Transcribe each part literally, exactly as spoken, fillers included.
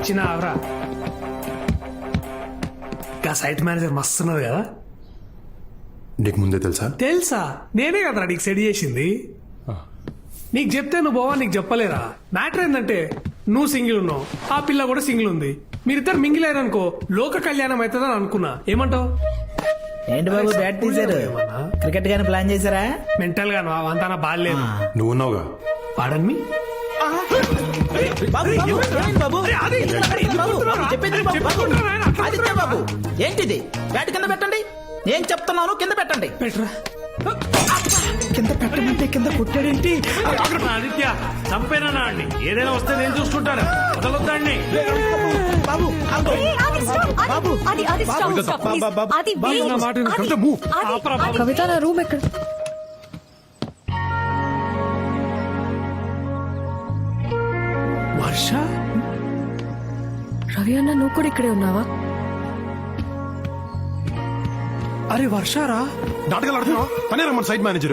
వచ్చినావరా? ఇంకా site manager మస్తున్నది కదా. నీకు ముందే తెలుసా? తెలుసా, నేనే కదరా నీకు సెట్ చేసింది. నీకు చెప్తే నువ్వు బావా నీకు చెప్పలేరా? మ్యాటర్ ఏంటంటే నువ్వు సింగిల్ ఉన్నావు, ఆ పిల్ల కూడా సింగిల్ ఉంది. మీరిద్దరు మింగిల్ అయ్యారనుకో లోక కళ్యాణం అవుతుందని అనుకున్నా. ఏమంటావు? ఏంటి బాబు బ్యాట్ తీశారు? క్రికెట్ గానీ ప్లాన్ చేశారా? మెంటల్ గా అంతా బాగాలేదు. నువ్వు ఉన్నావుగా. పాడన్ మీ బాబు ఏంటిది? బ్యాట్ కింద పెట్టండి. నేను చెప్తున్నాను కింద పెట్టండి. పెట్టరా. కింద పెట్టమంటే కింద కొట్టాడేంటి? ఆదిత్య చంపేనా అండి? ఏదైనా వస్తే నేను చూసుకుంటాను. వదలొద్దండి బాబు. కవిత నా రూమ్ ఎక్కడ? వర్ష, రవి అన్న నువ్వు కూడా ఇక్కడే ఉన్నావా? అరే వర్షారా, నాటకాలు ఆడుతున్నావు. తనే రమ్మని సైట్ మేనేజర్.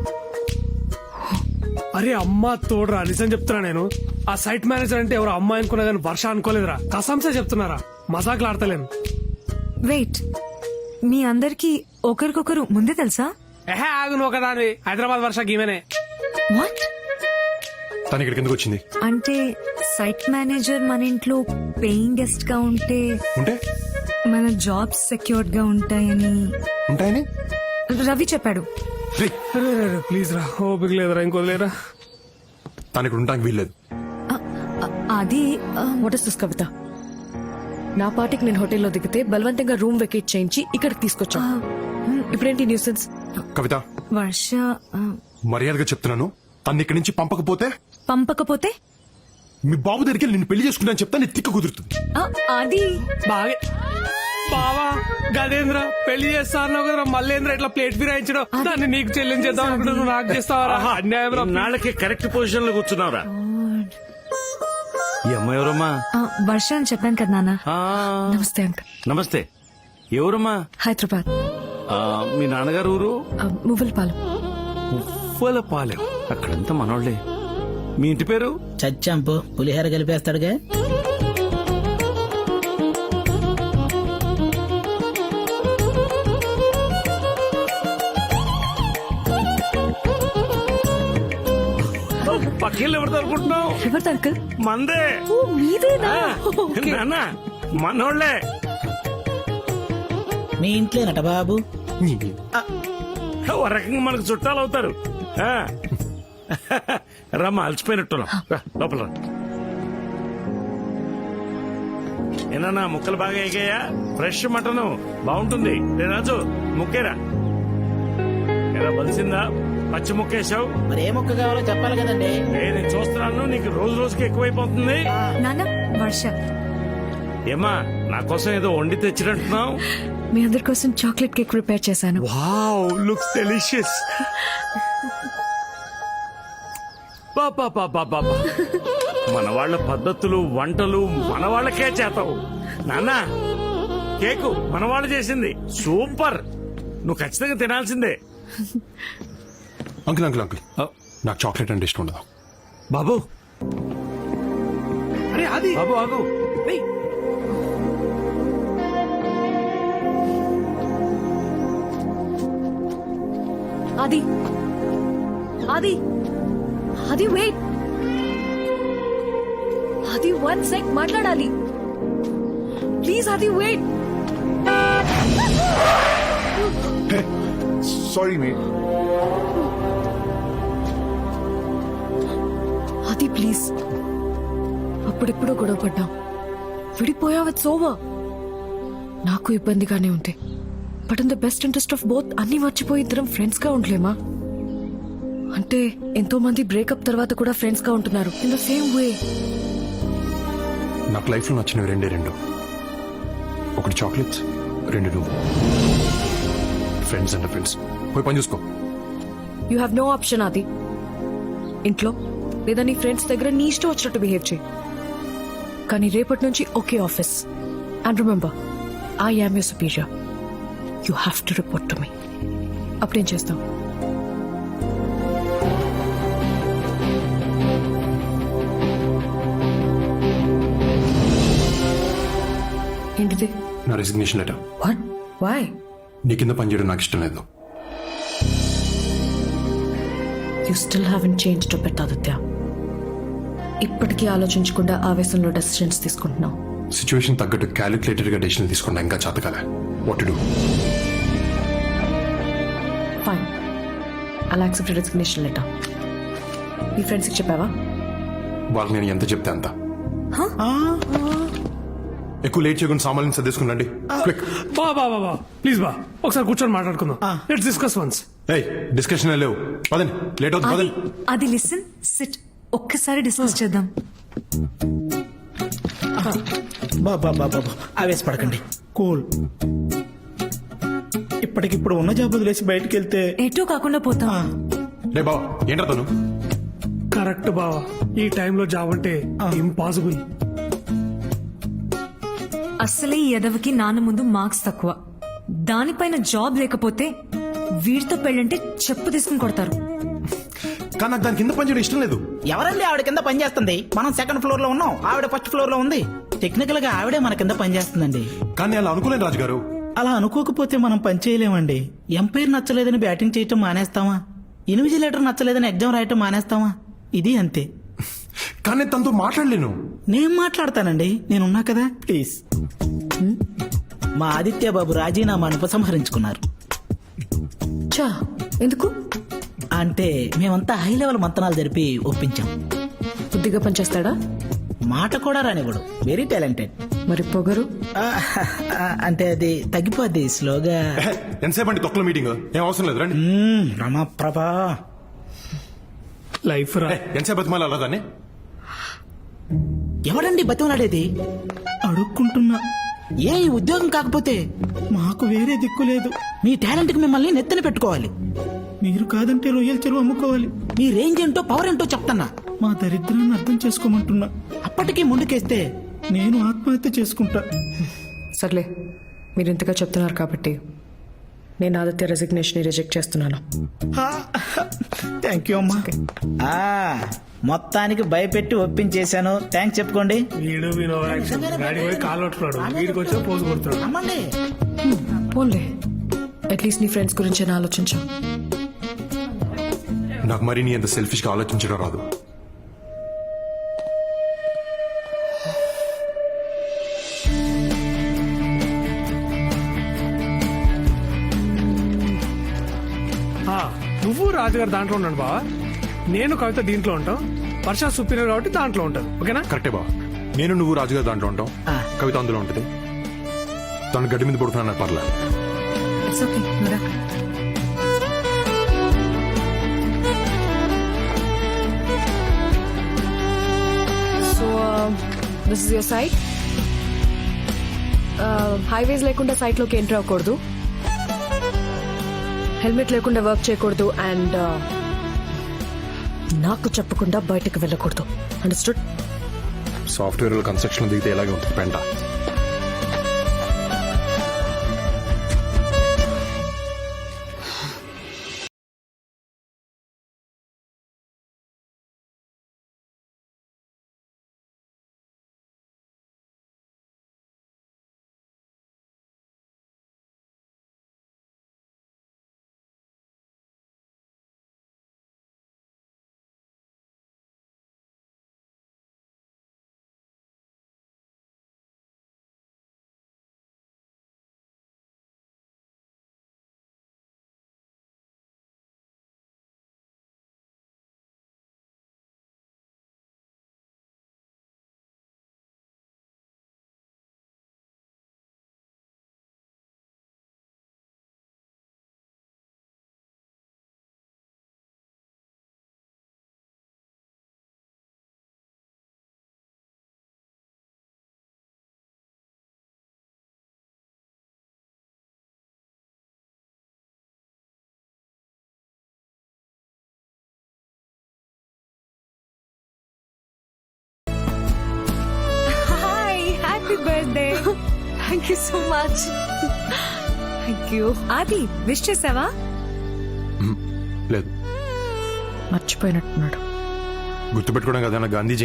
అరే అమ్మా తోడురా, నిజం చెప్తున్నా. నేను ఆ సైట్ మేనేజర్ అంటే ఎవరో అమ్మాయి అనుకున్నా కానీ వర్ష అనుకోలేదురా. కసంసే చెప్తున్నారా, మజాకులు ఆడతలేను. వెయిట్, మీ అందరికి ఒకరికొకరు ముందే తెలుసా? ఎహే ఆగు, నువ్వు కదా హైదరాబాద్ వర్ష గీమేనే. వాట్? తను ఇక్కడికి ఎందుకు వచ్చింది? అంటే సైట్ మేనేజర్ మన ఇంట్లో పేయింగ్ గెస్ట్ గా ఉంటే ఉంటే మన జాబ్స్ సెక్యూర్డ్ గా ఉంటాయని ఉంటాయని రవి చెప్పాడు. ప్లీజ్ రా, ఓపిక లేదురా, ఇంకోలేరా. తను ఇక్కడ ఉండడానికి వీల్లేదు. అ- అ- అది ఆ, వాట్ ఇస్ దిస్ కవిత? నా పార్టీకి నేను హోటల్లో దిగితే బలవంతంగా రూమ్ వెకేట్ చేయించి ఇక్కడికి తీసుకొచ్చా. ఇప్పుడేంటి న్యూసెన్స్? కవిత, వర్ష ఆ, మర్యాదగా చెప్తున్నాను. తను ఇక్కడి నుంచి పంపకపోతే పంపకపోతే మీ బాబు దగ్గరికి వెళ్ళి నిన్ను పెళ్లి చేసుకుంటాను చెప్తా. నీ తిక్క కుదురుతుంది. ఆ, అది బాగా బావా గదేంద్ర పెళ్లి చేస్తా అన్నావు కదరా, మల్లేంద్ర ఇట్లా ప్లేట్ ఫిరాయించడం, దాన్ని నీకు చెల్లించేద్దాం అనుకుంటే నువ్వు నాకు చేస్తావరా? అన్యాయం రా. నాళ్ళకి కరెక్ట్ పొజిషన్ లో కూర్చున్నావురా. ఈ అమ్మాయి ఎవరమ్మా? ఆ, వర్ష అని చెప్పాను కదా నాన్న. ఆ, నమస్తే అంకుల్. నమస్తే. ఎవరమ్మా? హైదరాబాద్ ఆ, మీ నాన్నగారు ఊరు? మువ్వలపాలెం. ఉవ్వలపాలెం. అక్కడంతా మనోళ్లే. మీ ఇంటి పేరు? చచ్చాంపు పులిహోర కలిపేస్తాడుగా. పక్కిళ్ళు ఎవరితో అనుకుంటున్నావు? ఎవరిది అంకుల్? మందే. ఓ, మీదేనా? ఓకే. నాన్న మనోళ్లే. మీ ఇంట్లోనట బాబు. ఓ రకంగా మనకు చుట్టాలు అవుతారు. ఆ. రమ్మ అలసిపోయినట్టున్నాం. రా, లోపల రా. ఏనా ముక్కలు బాగా ఎగాయా? ఫ్రెష్ మటన్ బాగుంటుంది. రే రాజు ముక్కేరా. ఎలా బలిసిందా? పచ్చి ముక్కేసావు. మరి ఏ మొక్క కావాలో చెప్పాలి కదండి. నేను చూస్తున్నాను, నీకు రోజు రోజుకి ఎక్కువైపోతుంది. నాన్న వర్ష. ఏమా నా కోసం ఏదో వండి తెచ్చినట్టున్నావు? మీ అందరి కోసం చాక్లెట్ కేక్ ప్రిపేర్ చేశాను. Wow, looks delicious. మన వాళ్ళ పద్ధతులు వంటలు మన వాళ్ళకే చేతావు నాన్న. కేకు మన వాళ్ళు చేసింది సూపర్. నువ్వు ఖచ్చితంగా తినాల్సిందే. అంకుల్ అంకుల్ అంకుల్ నాకు చాక్లెట్ అంటే ఇష్టం ఉండదు. బాబు అరే అది బాబు ఆగు. ఏయ్, అది అది అది వెయిట్, అది వన్ సెక్ మాట్లాడాలి ప్లీజ్. అది వెయిట్. Sorry mate. అది ప్లీజ్. అప్పుడెప్పుడో గొడవ పడ్డాం, విడిపోయావు. It's over. నాకు ఇబ్బందిగానే ఉంది, but in the best interest of both అన్ని మర్చిపోయి ఇద్దరం ఫ్రెండ్స్ గా ఉండలేమా? అంటే ఎంతో మంది బ్రేకప్ తర్వాత కూడా ఫ్రెండ్స్ గా ఉంటున్నారు ఇన్ ద సేమ్ వే. నాకు లైఫ్ లో నచ్చినవి రెండే రెండు. ఒకటి చాక్లెట్స్, రెండు నువ్వు. Friends and friends. పోయి పని చూసుకో. You have no option. అది ఇంట్లో లేదా నీ ఫ్రెండ్స్ దగ్గర నీ ఇష్టం వచ్చినట్టు బిహేవ్ చేయి. కానీ రేపటి నుంచి ఒకే office. And remember, I am your superior. You have to report to me. అప్పుడేం చేస్తాం? నా రెసిగ్నేషన్ లెటర్. వాట్ వై నీ కింద పనిచేయడం నాకు ఇష్టం లేదు. You still haven't change to bit Aditya. ఇప్పటికీ ఆలోచించకుండా ఆవేశంలో డెసిషన్స్ తీసుకుంటున్నావు. సిచ్యువేషన్ తగ్గట్టు క్యాలిక్యులేటెడ్ గా డెసిషన్ తీసుకున్నా ఇంకా చేతకాలే. What to do? ఫైన్, అలా యాక్సెప్ట్ రెసిగ్నేషన్ లెటర్. మీ ఫ్రెండ్స్కి చెప్పావా? వాళ్ళకి నేను ఎంత చెప్తే అంత. ఎక్కువ లేట్ చేయకుండా సామాన్యం సర్దేసుకున్నాండి. క్విక్. బా బా బా బా ప్లీజ్ బా ఒకసారి కూర్చొని మాట్లాడుకుందాం. Let's discuss once. ఏయ్ డిస్కషన్ లేవు, పదండి, లేట్ అవుతుంది, అది పదండి. అది లిసన్ సిట్ ఒక్కసారి డిస్కస్ చేద్దాం. బాబా బాబా ఆవేశపడకండి, కూల్. ఇప్పటికిప్పుడు ఉన్న జాబ్ వదిలేసి బయటికి వెళ్తే ఎటూ కాకుండా పోతాం. రే బావ ఏంట్రా తను? కరెక్ట్ బావా, ఈ టైంలో జాబ్ అంటే ఇంపాసిబుల్. అసలే ఈ ఎదవకి నాన్న ముందు మార్క్స్ తక్కువ, దానిపైన జాబ్ లేకపోతే వీడితో పెళ్ళంటే చెప్పు తీసుకుని కొడతారు. కానీ నాకు దాని కింద పనిచేయడం ఇష్టం లేదు. ఎవరండి ఆవిడ కింద పని చేస్తుంది? మనం సెకండ్ ఫ్లోర్ లో ఉన్నాం, ఆవిడ ఫస్ట్ ఫ్లోర్ లో ఉంది. టెక్నికల్ గా ఆవిడే మన కింద పని చేస్తుందండి. కానీ అలా అనుకోలేను రాజుగారు. అలా అనుకోకపోతే మనం పని చేయలేమండి. ఎంపైర్ నచ్చలేదని బ్యాటింగ్ చేయటం మానేస్తామా? ఇన్విజిలేటర్ నచ్చలేదని ఎగ్జామ్ రాయటం మానేస్తామా? ఇది అంతే. కానీ తనతో మాట్లాడలేను. నేను మాట్లాడతానండి, నేనున్నా కదా. ప్లీజ్. మా ఆదిత్య బాబు రాజీనామాను ఉపసంహరించుకున్నారు. చా ఎందుకు? అంటే మేమంతా హై లెవెల్ మంతనాలు జరిపి ఒప్పించాం. బుద్ధిగా పనిచేస్తాడా? మాట కూడా రానివ్వడు, వెరీ టాలెంటెడ్. మరి పొగరు? అంటే అది తగ్గిపోద్ది స్లోగా. ఎహె, ఎంతసేపు అండి తొక్కల మీటింగ్? ఏం అవసరం లేదు, రండి. మ్మ్, రమాప్రభా. లైఫ్ రా. ఏ, ఎంతసేపు బతిమాలి అలా దాన్ని? ఎవడండి బతిమలాడేది? అడుక్కుంటున్నా. ఏ ఈ ఉద్యోగం కాకపోతే మాకు వేరే దిక్కు లేదు. మీ టాలెంట్ కి మిమ్మల్ని నెత్తన పెట్టుకోవాలి. మీరు కాదంటే రొయ్యల చెరువు అమ్ముకోవాలి. మీ రేంజ్ ఏంటో పవర్ ఏంటో చెప్తున్నా. మా దరిద్రాన్ని అర్థం చేసుకోమంటున్నా. అప్పటికీ ముందుకేస్తే నేను ఆత్మహత్య చేసుకుంటా. సర్లే, మీరు ఇంతగా చెప్తున్నారు కాబట్టి నేను ఆదిత్య రెసిగ్నేషన్ రిజెక్ట్ చేస్తున్నాను. థ్యాంక్ యూ అమ్మా. ఆ, మొత్తానికి భయపెట్టి ఒప్పించేశాను. థ్యాంక్స్ చెప్పుకోండి. వీడు వీడు యాక్షన్ గాడి పోయి కాలు పట్టుకున్నాడు, వీడికి వచ్చి పోజు కొడుతున్నాడు. అమ్మండి. పోన్లే, అట్లీస్ట్ నీ ఫ్రెండ్స్ గురించి నేను ఆలోచించాం. నాకు మరి నీ అంత సెల్ఫిష్ గా ఆలోచించడం రాదు. ఆ, నువ్వు రాజుగారు దాంట్లో ఉన్నాడు బావా, నేను కవిత దీంట్లో ఉంటాం. వర్ష సుపీరియర్ కాబట్టి దాంట్లో ఉంటాను. ఓకేనా? కరెక్టే బా. నేను నువ్వు రాజుగారు దాంట్లో ఉంటాం, ఆ. కవిత అందులో ఉంటుంది. తను గడ్డి మీద పడుతున్నా పర్లేదు. ఇట్స్ ఓకే, నువ్వురా. So this is your site. Highways లేకుండా సైట్ లోకి ఎంటర్ అవ్వకూడదు, హెల్మెట్ లేకుండా వర్క్ చేయకూడదు, అండ్ నాకు చెప్పకుండా బయటకు వెళ్ళకూడదు. అండర్స్టూడ్? సాఫ్ట్వేర్ కన్స్ట్రక్షన్ దిగితే ఎలాగే ఉంటుంది పెంట. Hi, happy birthday. Thank you so much. Thank you. Aadi wish చేసావా? లేదు, మర్చిపోయినట్టున్నాడు. గుర్తుపెట్టుకోవడం కదా నా Gandhi Jayanti.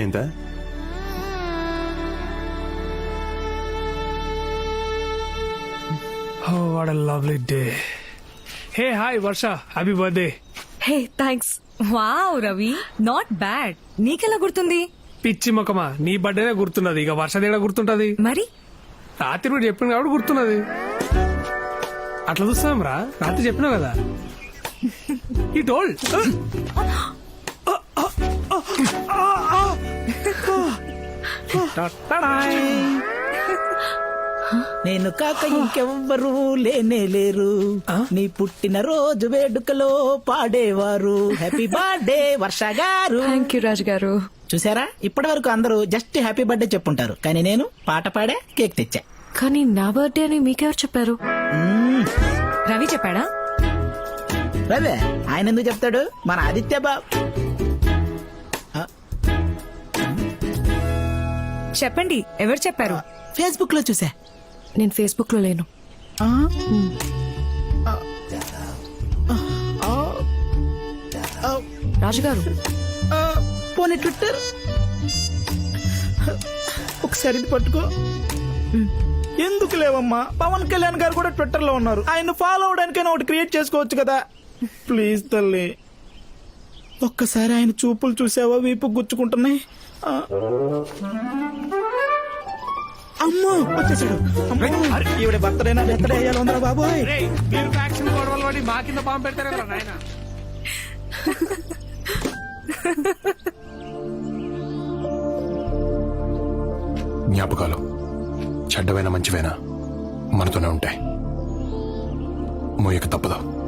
What a lovely day. Hey hi Varsha, happy birthday. Hey thanks. Wow Ravi, not bad. నీకెలా గుర్తుంది? పిచ్చి మొక్కమా, నీ బర్త్డేనే గుర్తున్నది, ఇక వర్ష దగ్గర గుర్తుంటది. మరి రాత్రి కూడా చెప్పింది కాబట్టి గుర్తున్నది. అట్లా చూస్తాం రా, రాత్రి చెప్పినావు కదా. ఈ టోల్ నేను కాక ఇంకెవ్వరు లేనే లేరు, నీ పుట్టిన రోజు వేడుకలో పాడేవారు హ్యాపీ బర్త్డే వర్ష గారు. థ్యాంక్ యూ రాజు గారు. చూసారా, ఇప్పటి వరకు అందరూ జస్ట్ హ్యాపీ బర్త్డే చెప్పుంటారు, కానీ నేను పాట పాడే కేక్ తెచ్చా. కానీ నా బర్త్డే అని మీకెవరు చెప్పారు? రవి చెప్పాడా? రవే, ఆయన ఎందుకు చెప్తాడు, మన ఆదిత్య బాబు. చెప్పండి, ఎవరు చెప్పారు? ఫేస్బుక్ లో చూసా. నేను ఫేస్బుక్ లో లేను. ఆ? రాజు గారు, ఆ, పోనీ ట్విట్టర్ ఒకసారి ఇది పట్టుకో. ఎందుకు లేవమ్మా, పవన్ కళ్యాణ్ గారు కూడా ట్విట్టర్ లో ఉన్నారు, ఆయన ఫాలో అవడానికైనా ఒకటి క్రియేట్ చేసుకోవచ్చు కదా. ప్లీజ్ తల్లి, ఒక్కసారి ఆయన చూపులు చూసావా, వీపు గుచ్చుకుంటున్నాయి. ఆ. అమ్మో వచ్చేసాడు. అమ్మో, ఈవిడ బర్త్డేనా బర్త్డే అయ్యాలి ఉందా బాబోయ్. రేయ్, మీరు ఫ్యాక్షన్ గొడవలు పడి మా కింద పాము పెడతారే కదా నాయన. జ్ఞాపకాలు చెడ్డవైనా మంచివైనా మనతోనే ఉంటాయి. మోయక తప్పదు.